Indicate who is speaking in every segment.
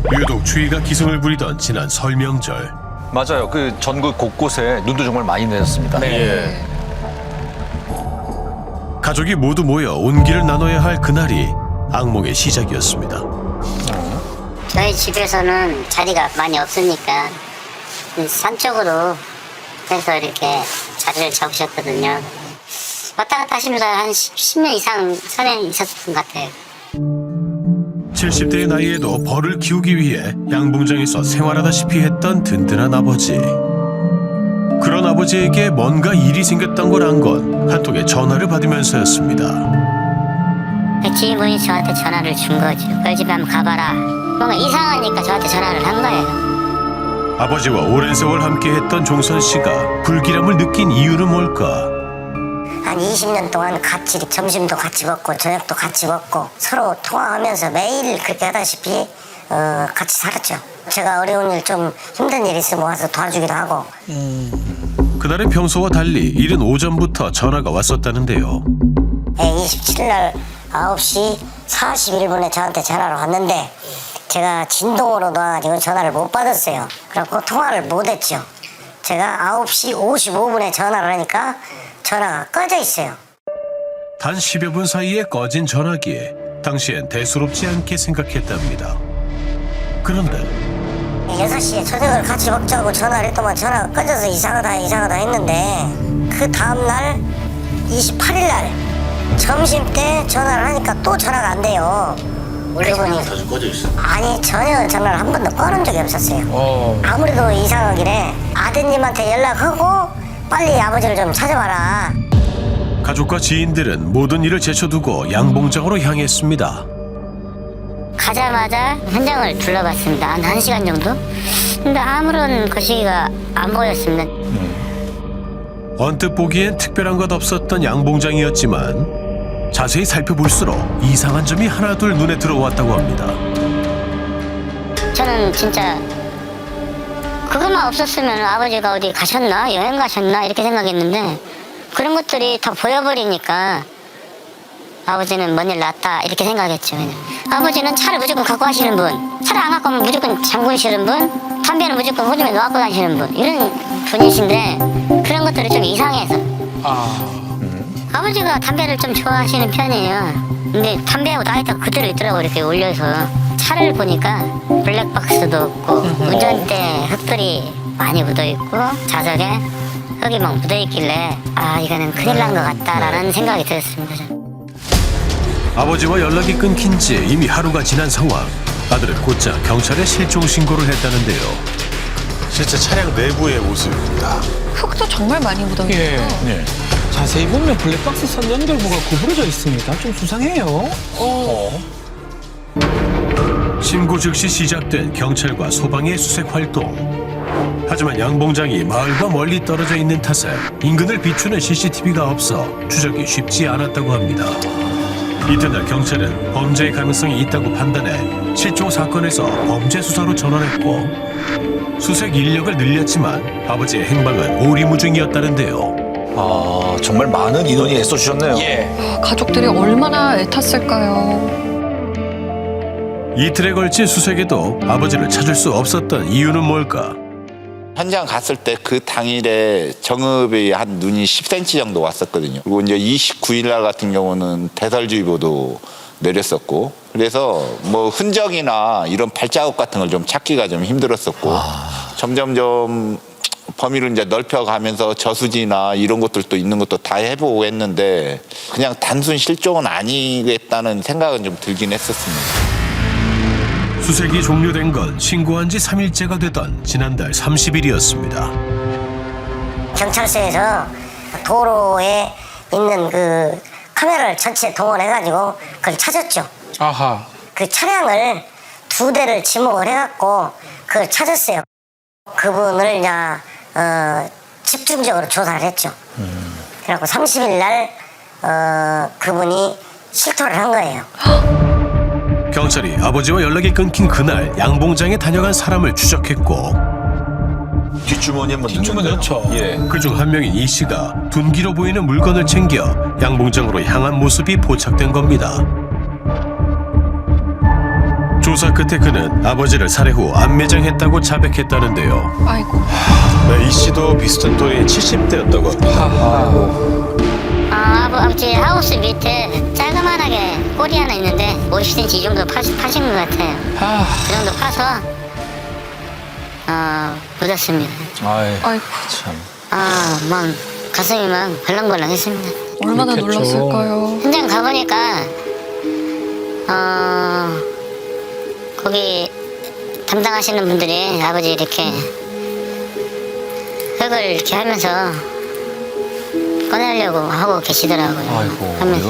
Speaker 1: 유독 추위가 기승을 부리던 지난 설 명절.
Speaker 2: 맞아요. 그 전국 곳곳에 눈도 정말 많이 내렸습니다.
Speaker 3: 네.
Speaker 1: 가족이 모두 모여 온기를 나눠야 할 그날이 악몽의 시작이었습니다.
Speaker 4: 저희 집에서는 자리가 많이 없으니까 산 쪽으로 해서 이렇게 자리를 잡으셨거든요. 왔다 갔다 하시면서 한 10년 이상 산에 있었던 것 같아요.
Speaker 1: 70대의 나이에도 벌을 키우기 위해 양봉장에서 생활하다시피 했던 든든한 아버지. 그런 아버지에게 뭔가 일이 생겼던 걸 안 건 한 통의 전화를 받으면서였습니다.
Speaker 4: 지인분이 저한테 전화를 준 거죠. 그 집에 한번 가봐라. 뭔가 이상하니까 저한테 전화를 한 거예요.
Speaker 1: 아버지와 오랜 세월 함께했던 종선 씨가 불길함을 느낀 이유는 뭘까?
Speaker 4: 한 20년 동안 같이 점심도 같이 먹고 저녁도 같이 먹고 서로 통화하면서 매일 그렇게 하다시피 같이 살았죠. 제가 어려운 일 좀 힘든 일 있으면 와서 도와주기도 하고.
Speaker 1: 그날은 평소와 달리 이른 오전부터 전화가 왔었다는데요.
Speaker 4: 27일 날 9시 41분에 저한테 전화가 왔는데 제가 진동으로 놔가지고 전화를 못 받았어요. 그래갖고 통화를 못했죠. 제가 9시 55분에 전화를 하니까 전화가 꺼져 있어요.
Speaker 1: 단 10여 분 사이에 꺼진 전화기에 당시엔 대수롭지 않게 생각했답니다. 그런데
Speaker 4: 6시에 저녁을 같이 먹자고 전화를 했더만 전화가 꺼져서 이상하다 했는데 그 다음날 28일 날 점심 때 전화를 하니까 또 전화가 안 돼요. 그분이
Speaker 3: 자주 꺼져 있어.
Speaker 4: 아니 전혀 전화를 한 번도 꺼놓은 적이 없었어요. 아무래도 이상하길래 아드님한테 연락하고 빨리 아버지를 좀 찾아봐라.
Speaker 1: 가족과 지인들은 모든 일을 제쳐두고 양봉장으로 향했습니다.
Speaker 4: 가자마자 현장을 둘러봤습니다. 한 1시간 정도? 근데 아무런 거시기가 안 보였습니다.
Speaker 1: 언뜻 보기엔 특별한 것 없었던 양봉장이었지만 자세히 살펴볼수록 이상한 점이 하나둘 눈에 들어왔다고 합니다.
Speaker 4: 저는 진짜 그것만 없었으면 아버지가 어디 가셨나? 여행 가셨나? 이렇게 생각했는데 그런 것들이 다 보여버리니까 아버지는 뭔 일 났다 이렇게 생각했죠. 그냥. 아버지는 차를 무조건 갖고 가시는 분, 차를 안 갖고 오면 무조건 잠그시는 분, 담배는 무조건 호주에 놓고 다니시는 분, 이런 분이신데 그런 것들이 좀 이상해서. 아버지가 담배를 좀 좋아하시는 편이에요. 근데 담배하고 라이터 그대로 있더라고. 이렇게 올려서 차를 보니까 블랙박스도 없고 운전대 흙들이 많이 묻어있고 좌석에 흙이 막 묻어있길래 아 이거는 큰일 난 것 같다라는 생각이 들었습니다. 저는.
Speaker 1: 아버지와 연락이 끊긴 지 이미 하루가 지난 상황. 아들은 곧장 경찰에 실종 신고를 했다는데요.
Speaker 3: 실제 차량 내부의 모습입니다.
Speaker 5: 흙도 정말 많이 묻어있어요.
Speaker 6: 예. 자세히 보면 블랙박스 선 연결부가 구부러져 있습니다. 좀 수상해요.
Speaker 1: 신고 즉시 시작된 경찰과 소방의 수색 활동. 하지만 양봉장이 마을과 멀리 떨어져 있는 탓에 인근을 비추는 CCTV가 없어 추적이 쉽지 않았다고 합니다. 이튿날 경찰은 범죄의 가능성이 있다고 판단해 실종 사건에서 범죄 수사로 전환했고 수색 인력을 늘렸지만 아버지의 행방은 오리무중이었다는데요.
Speaker 2: 아, 정말 많은 인원이 애써주셨네요.
Speaker 5: 가족들이 얼마나 애탔을까요?
Speaker 1: 이틀에 걸친 수색에도 아버지를 찾을 수 없었던 이유는 뭘까?
Speaker 7: 현장 갔을 때 그 당일에 정읍이 한 눈이 10cm 정도 왔었거든요. 그리고 이제 29일 날 같은 경우는 대설주의보도 내렸었고, 그래서 뭐 흔적이나 이런 발자국 같은 걸 좀 찾기가 좀 힘들었었고, 점점점 범위를 이제 넓혀가면서 저수지나 이런 것들도 있는 것도 다 해보고 했는데 그냥 단순 실종은 아니겠다는 생각은 좀 들긴 했었습니다.
Speaker 1: 수색이 종료된 건 신고한 지 3일째가 되던 지난달 30일이었습니다.
Speaker 4: 경찰서에서 도로에 있는 그 카메라를 전체 동원해가지고 그걸 찾았죠.
Speaker 6: 아하.
Speaker 4: 그 차량을 2대를 지목을 해갖고 그걸 찾았어요. 그분을 이제 집중적으로 조사를 했죠. 그래갖고 30일 날 그분이 실토를 한 거예요.
Speaker 1: 경찰이 아버지와 연락이 끊긴 그날 양봉장에 다녀간 사람을 추적했고
Speaker 2: 뒷주머니에 뭐
Speaker 6: 뒷주머니 넣죠.
Speaker 2: 예.
Speaker 1: 그중 한 명인 이 씨가 둔기로 보이는 물건을 챙겨 양봉장으로 향한 모습이 포착된 겁니다. 조사 끝에 그는 아버지를 살해 후 안매장했다고 자백했다는데요.
Speaker 5: 아이고.
Speaker 3: 네, 이 씨도 비슷한 또래 70대였다고 합니다.
Speaker 4: 아버지 하우스 밑에 짤그만하게 꼬리 하나 있는데 50cm 이 정도 파신 것 같아요. 그 정도 파서 묻었습니다.
Speaker 5: 아이고.
Speaker 2: 참.
Speaker 4: 막 가슴이 막 벌렁벌렁했습니다.
Speaker 5: 얼마나
Speaker 6: 그렇겠죠.
Speaker 5: 놀랐을까요?
Speaker 4: 현장 가보니까 거기 담당하시는 분들이 아버지 이렇게 흙을 이렇게 하면서 꺼내려고 하고 계시더라고요.
Speaker 2: 아이고.
Speaker 4: 하면서.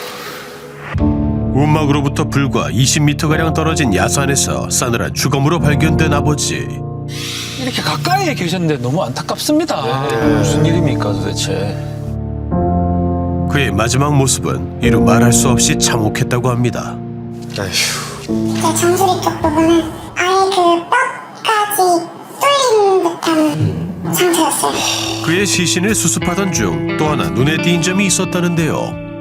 Speaker 1: 움막으로부터 불과 20m가량 떨어진 야산에서 싸늘한 주검으로 발견된 아버지.
Speaker 6: 이렇게 가까이에 계셨는데 너무 안타깝습니다.
Speaker 2: 무슨 일입니까 도대체?
Speaker 1: 그의 마지막 모습은 이루 말할 수 없이 참혹했다고 합니다.
Speaker 3: 아휴.
Speaker 8: 제 정수리 쪽 부분은 아예 그 뼈까지 뚫린 듯한 상태였어요.
Speaker 1: 그의 시신을 수습하던 중 또 하나 눈에 띈 점이 있었다는데요.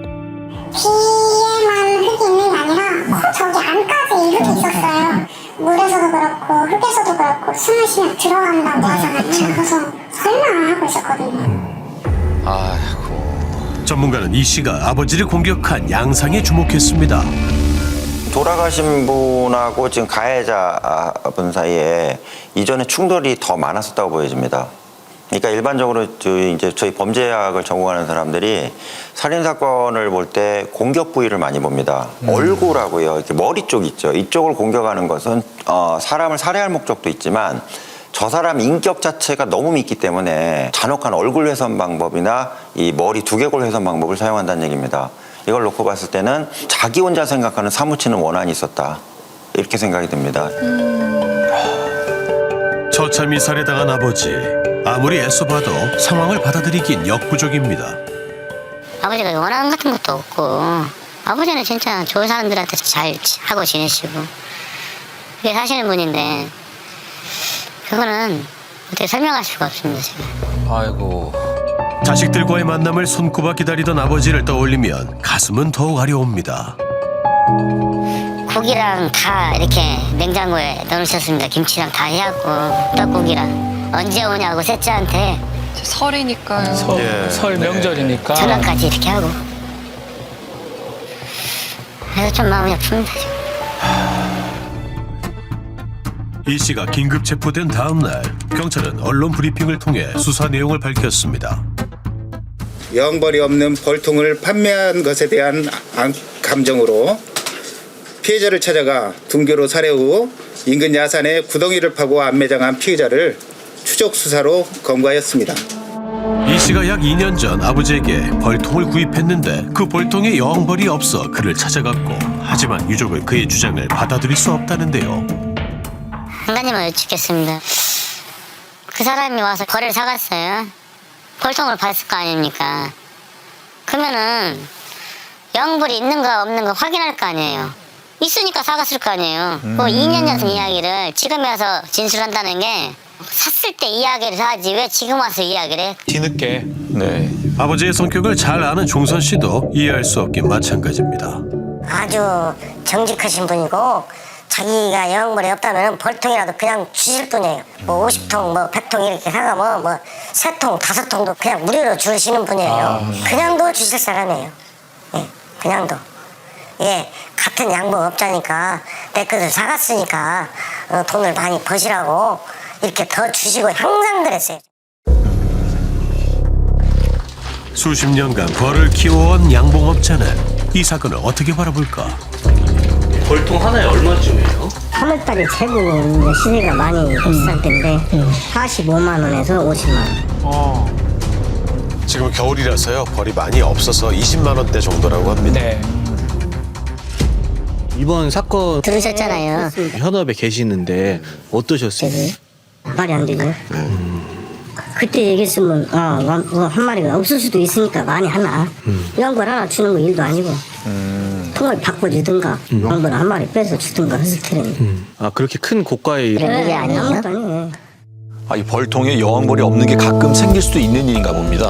Speaker 8: 귀에만 흙이 있는 게 아니라 코 저기 안까지 흙이 있었어요. 물에서도 그렇고 흙에서도 그렇고 숨을 쉬면 들어간다고 하잖아요. 그래서 설마 하고 있었거든요.
Speaker 2: 아이고.
Speaker 1: 전문가는 이 씨가 아버지를 공격한 양상에 주목했습니다.
Speaker 9: 돌아가신 분하고 지금 가해자분 사이에 이전에 충돌이 더 많았었다고 보여집니다. 그러니까 일반적으로 이제 저희 범죄학을 전공하는 사람들이 살인 사건을 볼 때 공격 부위를 많이 봅니다. 얼굴하고요, 이렇게 머리 쪽 있죠. 이쪽을 공격하는 것은 사람을 살해할 목적도 있지만 저 사람 인격 자체가 너무 믿기 때문에 잔혹한 얼굴 훼손 방법이나 이 머리 두개골 훼손 방법을 사용한다는 얘기입니다. 이걸 놓고 봤을 때는 자기 혼자 생각하는 사무치는 원한이 있었다, 이렇게 생각이 듭니다.
Speaker 1: 처참히 살해당한 아버지. 아무리 애써봐도 상황을 받아들이긴 역부족입니다.
Speaker 4: 아버지가 원한 같은 것도 없고 아버지는 진짜 좋은 사람들한테 잘 하고 지내시고 그게 사시는 분인데 그거는 어떻게 설명할 수가 없습니다. 지금.
Speaker 2: 아이고.
Speaker 1: 자식들과의 만남을 손꼽아 기다리던 아버지를 떠올리면 가슴은 더욱 아려옵니다.
Speaker 4: 고기랑 다 이렇게 냉장고에 넣으셨습니다. 김치랑 다 해갖고 떡국이랑 언제 오냐고 셋째한테
Speaker 5: 이제 설이니까요.
Speaker 6: 설 명절이니까.
Speaker 4: 전화까지 이렇게 하고 그래서 좀 마음이 아픕니다. 지금.
Speaker 1: 이 씨가 긴급 체포된 다음 날 경찰은 언론 브리핑을 통해 수사 내용을 밝혔습니다.
Speaker 10: 여왕벌이 없는 벌통을 판매한 것에 대한 감정으로 피해자를 찾아가 등교로 살해 후 인근 야산에 구덩이를 파고 안매장한 피의자를 추적 수사로 검거하였습니다.
Speaker 1: 이 씨가 약 2년 전 아버지에게 벌통을 구입했는데 그 벌통에 여왕벌이 없어 그를 찾아갔고 하지만 유족은 그의 주장을 받아들일 수 없다는데요.
Speaker 4: 한 가지만 여쭙겠습니다. 그 사람이 와서 벌을 사갔어요. 벌통을 봤을 거 아닙니까? 그러면은 여왕벌이 있는가 없는가 확인할 거 아니에요. 있으니까 사갔을 거 아니에요. 그 2년 전 이야기를 지금 와서 진술한다는 게 샀을 때 이야기를 하지 왜 지금 와서 이야기를 해?
Speaker 6: 뒤늦게.
Speaker 2: 네.
Speaker 1: 아버지의 성격을 잘 아는 종선 씨도 이해할 수 없긴 마찬가지입니다.
Speaker 4: 아주 정직하신 분이고 자기가 여왕벌이 없다면 벌통이라도 그냥 주실 분이에요. 뭐 50통, 뭐 100통 이렇게 사가면 뭐 3통, 5통도 그냥 무료로 주시는 분이에요. 그냥도 주실 사람이에요. 예, 그냥도. 예, 같은 양봉업자니까 내 것을 사갔으니까 돈을 많이 버시라고 이렇게 더 주시고 항상 그랬어요.
Speaker 1: 수십 년간 벌을 키워온 양봉업자는 이 사건을 어떻게 바라볼까?
Speaker 11: 벌통 하나에 얼마쯤이에요?
Speaker 4: 3월달에 최고 시세가 많이 비쌀 때인데 45만 원에서 50만 원.
Speaker 3: 지금 겨울이라서요. 벌이 많이 없어서 20만 원대 정도라고 합니다.
Speaker 6: 네.
Speaker 11: 이번 사건
Speaker 4: 들으셨잖아요.
Speaker 11: 현업에 계시는데 어떠셨어요?
Speaker 4: 말이 안 되죠. 그때 얘기했으면 한 마리가 없을 수도 있으니까 많이 하나. 양벌 하나 주는 거 일도 아니고 통을 바꿔주든가 양벌 한 마리 빼서 주든가 했을 테니.
Speaker 11: 아, 그렇게 큰 고가의
Speaker 4: 그게 아니에요.
Speaker 2: 이 벌통에 여왕벌이 없는 게 가끔 생길 수도 있는 일인가 봅니다.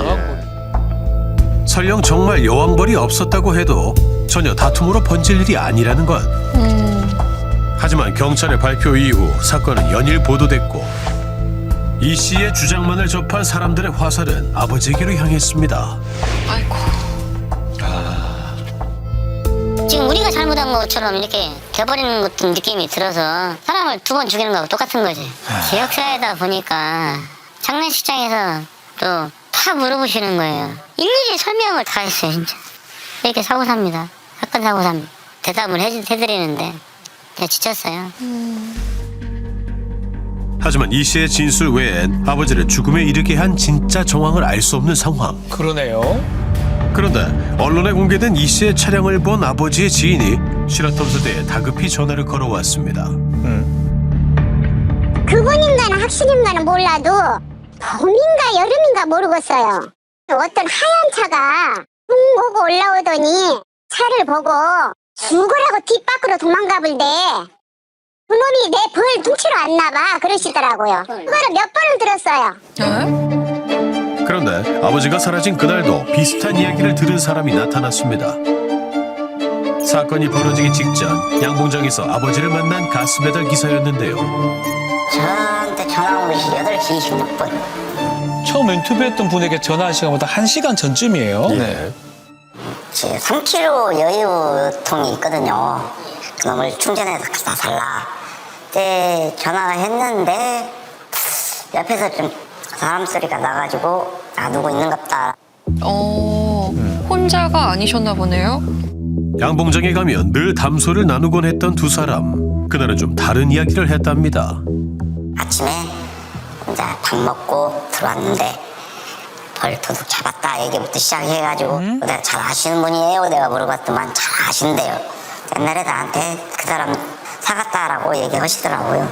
Speaker 1: 설령 정말 여왕벌이 없었다고 해도 전혀 다툼으로 번질 일이 아니라는 것. 하지만 경찰의 발표 이후 사건은 연일 보도됐고 이 씨의 주장만을 접한 사람들의 화살은 아버지에게로 향했습니다.
Speaker 5: 아이고.
Speaker 4: 지금 우리가 잘못한 것처럼 이렇게 돼버리는 것도 느낌이 들어서 사람을 2번 죽이는 거하고 똑같은 거지. 지역사회다 보니까 장례식장에서 또 다 물어보시는 거예요. 일일이 설명을 다 했어요, 진짜. 이렇게 사고 삽니다. 사건 사고 삽니다. 대답을 해드리는데 그냥 지쳤어요.
Speaker 1: 하지만 이 씨의 진술 외엔 아버지를 죽음에 이르게 한 진짜 정황을 알 수 없는 상황.
Speaker 6: 그러네요.
Speaker 1: 그런데 언론에 공개된 이 씨의 차량을 본 아버지의 지인이 시라톰스대에 다급히 전화를 걸어왔습니다.
Speaker 8: 그분인가는 확실인가는 몰라도 봄인가 여름인가 모르겠어요. 어떤 하얀 차가 붕 오고 올라오더니 차를 보고 죽으라고 뒷밖으로 도망가 볼때 그놈이 내 벌 둥치러 왔나 봐 그러시더라고요. 그거를 몇 번을 들었어요.
Speaker 5: 네?
Speaker 1: 그런데 아버지가 사라진 그날도 비슷한 이야기를 들은 사람이 나타났습니다. 사건이 벌어지기 직전 양봉장에서 아버지를 만난 가스배달 기사였는데요.
Speaker 4: 저한테 전화 온 것이 8시 26분.
Speaker 6: 처음 인터뷰했던 분에게 전화한 시간보다 1시간 전쯤이에요.
Speaker 2: 네.
Speaker 4: 3kg 여유통이 있거든요. 그놈을 충전해서 갖다 달라. 그때 전화를 했는데 옆에서 좀 사람 소리가 나가지고 누구 있는갑다.
Speaker 5: 혼자가 아니셨나 보네요.
Speaker 1: 양봉장에 가면 늘 담소를 나누곤 했던 두 사람. 그날은 좀 다른 이야기를 했답니다.
Speaker 4: 아침에 이제 밥 먹고 들어왔는데 벌 도둑 잡았다 얘기부터 시작해가지고 내가 잘 아시는 분이에요? 내가 물어봤더만 잘 아신대요. 옛날에 나한테 그 사람 사갔다라고 얘기하시더라고요.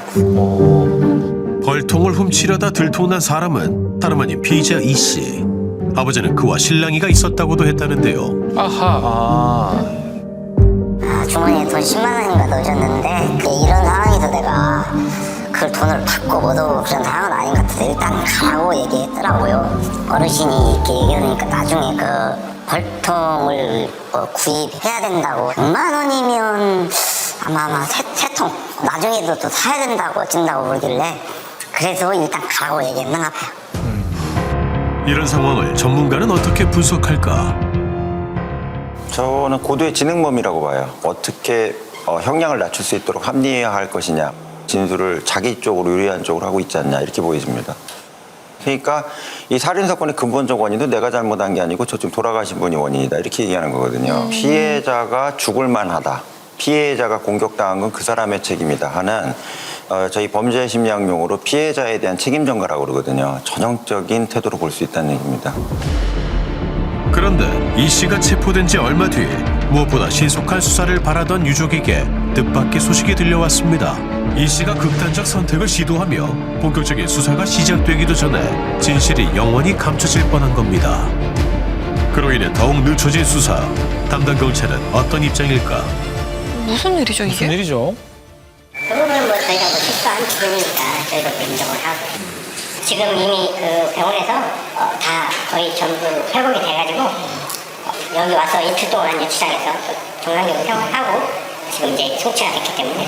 Speaker 1: 벌통을 훔치려다 들통난 사람은 다름 아닌 피의자 이 씨. 아버지는 그와 실랑이가 있었다고도 했다는데요.
Speaker 6: 아하.
Speaker 4: 주머니에 돈 10만 원인가 넣으셨는데 이런 상황에서 내가 그 돈을 받고 못 오고 그런 상황은 아닌 것 같아서 일단 가라고 얘기했더라고요. 어르신이 이렇게 얘기하니까 나중에 그 벌통을 구입해야 된다고 100만 원이면 아마 세 통 나중에도 또 사야 된다고 찐다고 그러길래 그래서 일단 가라고 얘기했나 봐요.
Speaker 1: 이런 상황을 전문가는 어떻게 분석할까?
Speaker 9: 저는 고도의 지능범이라고 봐요. 어떻게 형량을 낮출 수 있도록 합리화할 것이냐. 진술을 자기 쪽으로 유리한 쪽으로 하고 있지 않냐 이렇게 보여집니다. 그러니까 이 살인사건의 근본적 원인도 내가 잘못한 게 아니고 저쪽 돌아가신 분이 원인이다 이렇게 얘기하는 거거든요. 피해자가 죽을 만하다. 피해자가 공격당한 건 그 사람의 책임이다 하는 저희 범죄심리학용어로 피해자에 대한 책임 전가라고 그러거든요. 전형적인 태도로 볼 수 있다는 얘기입니다.
Speaker 1: 그런데 이 씨가 체포된 지 얼마 뒤 무엇보다 신속한 수사를 바라던 유족에게 뜻밖의 소식이 들려왔습니다. 이 씨가 극단적 선택을 시도하며 본격적인 수사가 시작되기도 전에 진실이 영원히 감춰질 뻔한 겁니다. 그로 인해 더욱 늦춰진 수사. 담당 경찰은 어떤 입장일까?
Speaker 5: 무슨 일이죠, 이게?
Speaker 6: 무슨 일이죠?
Speaker 4: 그 부분은 저희가 실수한 부분이니까 저희도 인정을 하고 지금 이미 그 병원에서 다 거의 전부 회복이 돼가지고 여기 와서 이틀 동안 유치장에서 정상적으로 생활을 하고 지금 이제 송치가 됐기 때문에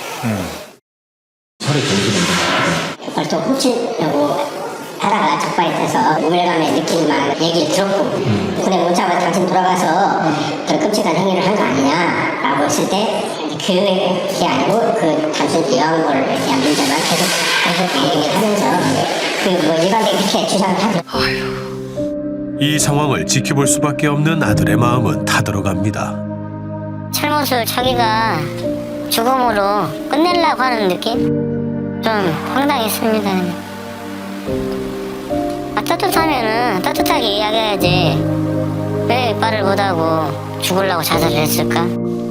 Speaker 4: 벌써 훔치려고 하다가 적발이 돼서 우울감에 느끼만 얘기를 들었고 근데 문자가 당신 돌아가서 그런 끔찍한 행위를 한 거 아니냐라고 했을 때 그게 아니고 그 단순 여왕벌을 대한 문제만 계속 얘기를 하면서 그 일반적인 그렇게 주장을 하죠.
Speaker 1: 이 상황을 지켜볼 수밖에 없는 아들의 마음은 타들어갑니다.
Speaker 4: 잘못을 자기가 죽음으로 끝내려고 하는 느낌? 좀 황당했습니다. 따뜻하면은 따뜻하게 이야기해야지 왜 말을 못하고 죽으려고 자살을 했을까?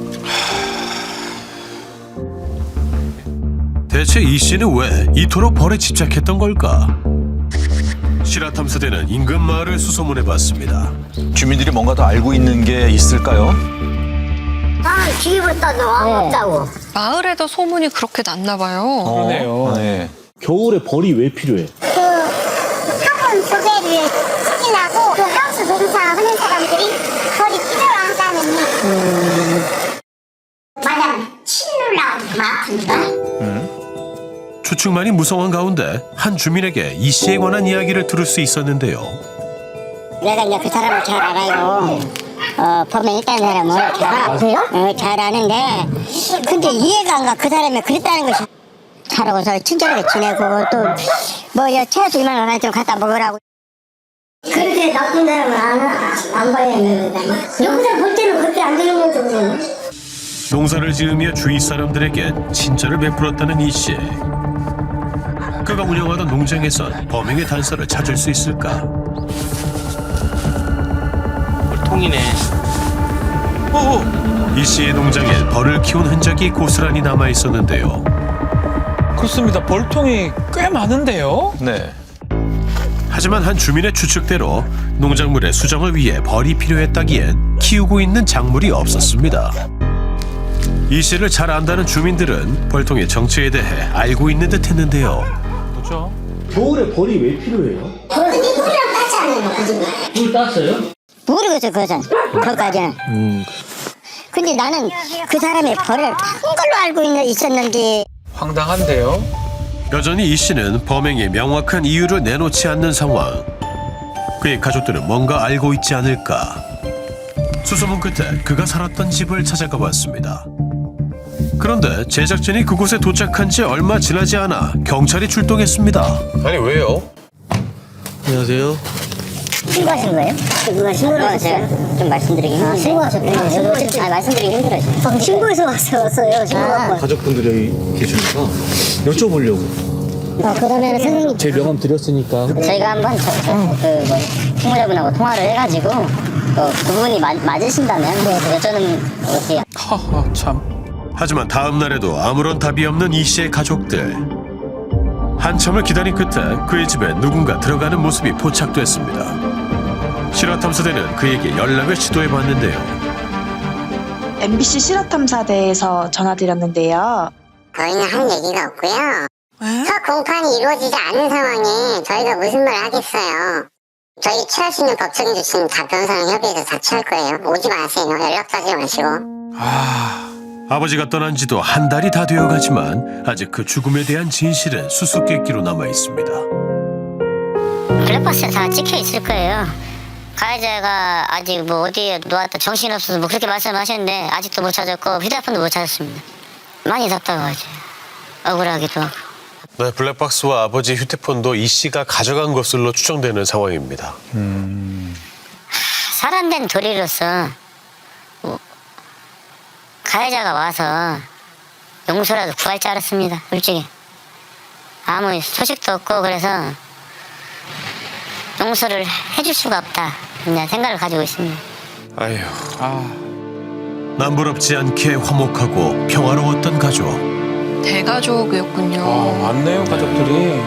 Speaker 1: 대체 이 씨는 왜 이토록 벌에 집착했던 걸까? 시라탐사대는 인근 마을을 수소문해봤습니다.
Speaker 2: 주민들이 뭔가 더 알고 있는 게 있을까요?
Speaker 8: 뒤부터 너무 없다고.
Speaker 5: 마을에도 소문이 그렇게 났나 봐요.
Speaker 6: 그러네요.
Speaker 2: 네.
Speaker 11: 겨울에 벌이 왜 필요해?
Speaker 8: 화분 두 개를 치려고 그 하우스 농사 하는 사람들이 벌이 필요하다는 만약 치누려고 막
Speaker 1: 추측만이 무성한 가운데 한 주민에게 이 씨에 관한 이야기를 들을 수 있었는데요.
Speaker 4: 내가 이제 그 사람을 잘 알아요. 범행 있다는 사람을 잘 아는데 근데 이해가 안 가. 그 사람이 그랬다는 것이. 잘하고서 친절하게 지내고 또 뭐 채소 이만 하나 좀 갖다 먹으라고. 그렇게 나쁜 사람은 안 봐야 되는 거다. 여기서 볼 때는 그렇게 안 되는 거죠. 그냥.
Speaker 1: 농사를 지으며 주위 사람들에게 친절을 베풀었다는 이 씨. 그가 운영하던 농장에선 범행의 단서를 찾을 수 있을까?
Speaker 6: 통이네.
Speaker 1: 이 씨의 농장에 벌을 키운 흔적이 고스란히 남아 있었는데요.
Speaker 6: 그렇습니다. 벌통이 꽤 많은데요.
Speaker 2: 네.
Speaker 1: 하지만 한 주민의 추측대로 농작물의 수정을 위해 벌이 필요했다기엔 키우고 있는 작물이 없었습니다. 이 씨를 잘 안다는 주민들은 벌통의 정체에 대해 알고 있는 듯 했는데요.
Speaker 6: 그렇죠.
Speaker 11: 겨울에 벌이 왜 필요해요?
Speaker 4: 근데 물이랑 같이 안 해요.
Speaker 11: 물 땄어요?
Speaker 4: 모르겠어 그거까지는. 근데 나는 그 사람의 벌을 한 걸로 알고 있었는데.
Speaker 6: 황당한데요.
Speaker 1: 여전히 이 씨는 범행의 명확한 이유를 내놓지 않는 상황. 그의 가족들은 뭔가 알고 있지 않을까. 수소문 끝에 그가 살았던 집을 찾아가 봤습니다. 그런데 제작진이 그곳에 도착한 지 얼마 지나지 않아 경찰이 출동했습니다.
Speaker 3: 아니 왜요?
Speaker 11: 안녕하세요.
Speaker 4: 신고하신 거예요? 누가 신고를 하셨어요? 좀 말씀드리기 힘든데. 신고하셨군요. 말씀드리기 힘들어요. 신고해서 왔어요. 신고하고.
Speaker 11: 가족분들이 계시니까 여쭤보려고.
Speaker 4: 그러면 선생님.
Speaker 11: 제 명함 드렸으니까.
Speaker 4: 저희가 한번 총무자분하고 통화를 해가지고 그 부분이 맞으신다면 여쭤는 어떻게.
Speaker 6: 하하 참.
Speaker 1: 하지만 다음 날에도 아무런 답이 없는 이 씨의 가족들. 한참을 기다린 끝에 그의 집에 누군가 들어가는 모습이 포착됐습니다. 실화탐사대는 그에게 연락을 시도해봤는데요.
Speaker 12: MBC 실화탐사대에서 전화드렸는데요.
Speaker 8: 저희는 한 얘기가 없고요. 첫 공판이 이루어지지 않은 상황에 저희가 무슨 말을 하겠어요. 저희 취할 수 있는 법적인 조치는 다 변호사랑 협의해서 다 취할 거예요. 오지 마세요. 연락도 하지 마시고.
Speaker 1: 아버지가 떠난 지도 한 달이 다 되어가지만 아직 그 죽음에 대한 진실은 수수께끼로 남아 있습니다.
Speaker 4: 블랙박스에 다 찍혀 있을 거예요. 가해자가 아직 뭐 어디에 놓았다 정신없어서 뭐 그렇게 말씀하셨는데 아직도 못 찾았고 휴대폰도 못 찾았습니다. 많이 답답하죠. 억울하기도 하고.
Speaker 3: 네, 블랙박스와 아버지 휴대폰도 이 씨가 가져간 것으로 추정되는 상황입니다.
Speaker 4: 사람된 도리로서 가해자가 와서 용서라도 구할 줄 알았습니다. 솔직히 아무 소식도 없고 그래서 용서를 해줄 수가 없다 그냥 생각을 가지고 있습니다.
Speaker 3: 아휴.
Speaker 1: 남부럽지 않게 화목하고 평화로웠던 가족.
Speaker 5: 대가족이었군요.
Speaker 6: 많네요 가족들이.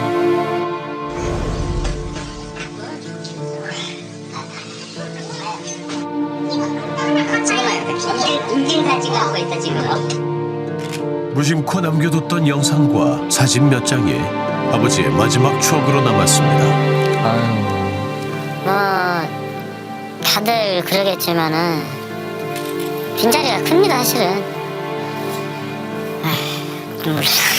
Speaker 1: 무심코 남겨뒀던 영상과 사진 몇 장이 아버지의 마지막 추억으로 남았습니다.
Speaker 4: 뭐 다들 그러겠지만은 빈자리가 큽니다 사실은. 눈물.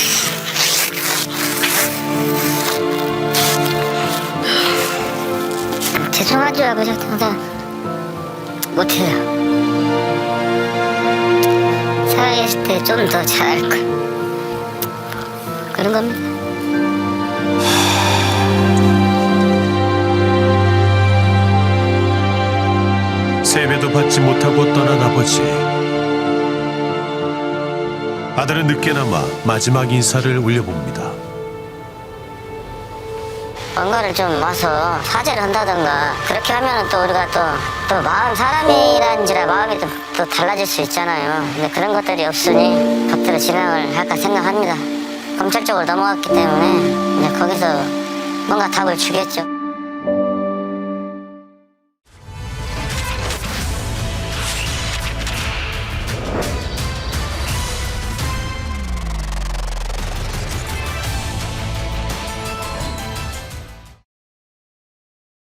Speaker 4: 죄송하죠 아버지 항상 못해요. 살아계실 때 좀 더 잘할 걸. 그런 겁니다.
Speaker 1: 세배도 받지 못하고 떠난 아버지. 아들은 늦게나마 마지막 인사를 올려봅니다.
Speaker 4: 뭔가를 좀 와서 사죄를 한다던가 그렇게 하면은 또 우리가 또 마음 사람이란지라 마음이 또 달라질 수 있잖아요. 근데 그런 것들이 없으니 법대로 진행을 할까 생각합니다. 검찰 쪽으로 넘어갔기 때문에 이제 거기서 뭔가 답을 주겠죠.